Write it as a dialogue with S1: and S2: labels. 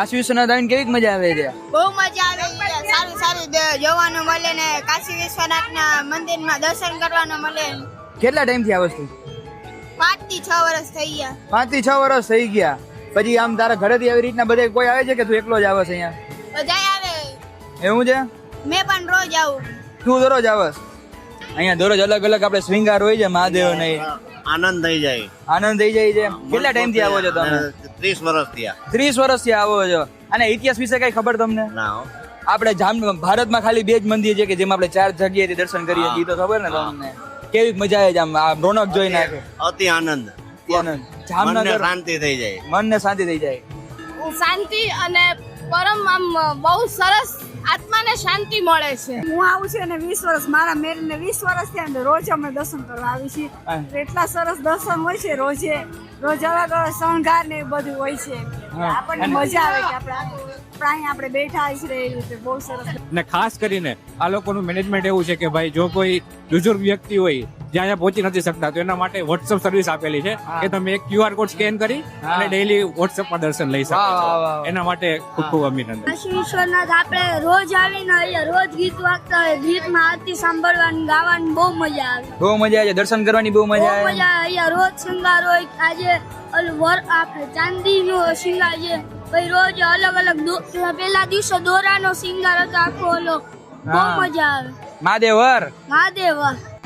S1: કાશી વિશ્વનાથ આવીને કેવી મજા આવે છે?
S2: બહુ મજા આવે છે, સારું સારું જોવાનું મળે ને કાશી વિશ્વનાથના મંદિરમાં દર્શન કરવાનું મળે.
S1: કેટલા ટાઈમથી આ વસ્તુ?
S2: 5 થી 6 વર્ષ થઈ ગયા.
S1: 5 થી 6 વર્ષ થઈ ગયા. પછી આમ તારા ઘરેથી આવી રીતના બધા કોઈ આવે છે કે તું એકલો જ આવે છે અહીંયા?
S2: બધા આવે.
S1: એવું છે?
S2: મેં પણ રોજ આવું.
S1: તું દરરોજ આવસ? અહીંયા દરરોજ અલગ અલગ આપણે શ્રીંગાર હોય છે મહાદેવ ને
S3: આનંદ થઈ જાય.
S1: આનંદ થઈ જાય છે. કેટલા ટાઈમ થી આવો છો તમે?
S3: 30 વર્ષ થયા.
S1: 30 વર્ષથી આવો છો. અને ઇતિહાસ વિશે કઈ ખબર તમને?
S3: ના.
S1: આપણે ભારતમાં ખાલી 2 જ મંદિર છે કે જેમાં આપણે 4 જગ્યાએથી દર્શન કરીએ છીએ. તો ખબર ને તમને કેવી મજા આવે છે આમ આ રોનક જોઈ નાખે.
S3: અતિ આનંદ.
S1: આનંદ. જામનગર
S3: શાંતિ થઈ જાય.
S1: મનને શાંતિ થઈ જાય.
S2: શાંતિ અને પરમ આમ બહુ સરસ આત્માને શાંતિ મળે છે.
S4: હું આવું છું અને 20 વર્ષ મારા મેરેજ ને 20 વર્ષ થયા ને રોજ અમે દર્શન કરવા આવી છીએ. એટલા સરસ દર્શન હોય છે રોજ અલગ અલગ શણગાર ને બધું હોય છે. આપણને મજા આવે કે આપણે બેઠા છે એ રીતે બહુ સરસ.
S5: ને ખાસ કરીને આ લોકોનું મેનેજમેન્ટ એવું છે કે ભાઈ જો કોઈ બુઝુર્ગ વ્યક્તિ હોય જ્યાં પહોંચી નથી શકતા તો એના માટે WhatsApp સર્વિસ આપેલી છે કે તમે એક QR કોડ સ્કેન કરી અને ડેઈલી WhatsApp પર દર્શન લઈ શકો છો. એના માટે ખૂબ ખૂબ અભિનંદન.
S6: કાશી વિશ્વનાથ આપણે રોજ આવીને અહીંયા રોજ ગીત વાગતા હોય, ગીતમાં આરતી સાંભળવાની ગાવાની બહુ મજા આવે.
S1: બહુ મજા આવે. દર્શન કરવાની બહુ મજા આવે.
S6: અહીંયા રોજ શૃંગાર હોય. આજે આપણે ચાંદીનો શૃંગાર છે, પછી રોજ અલગ અલગ પેલા દિવસે દોરાનો શૃંગાર હતો આખો. બહુ મજા આવે.
S1: મહાદેવ.
S6: મહાદેવ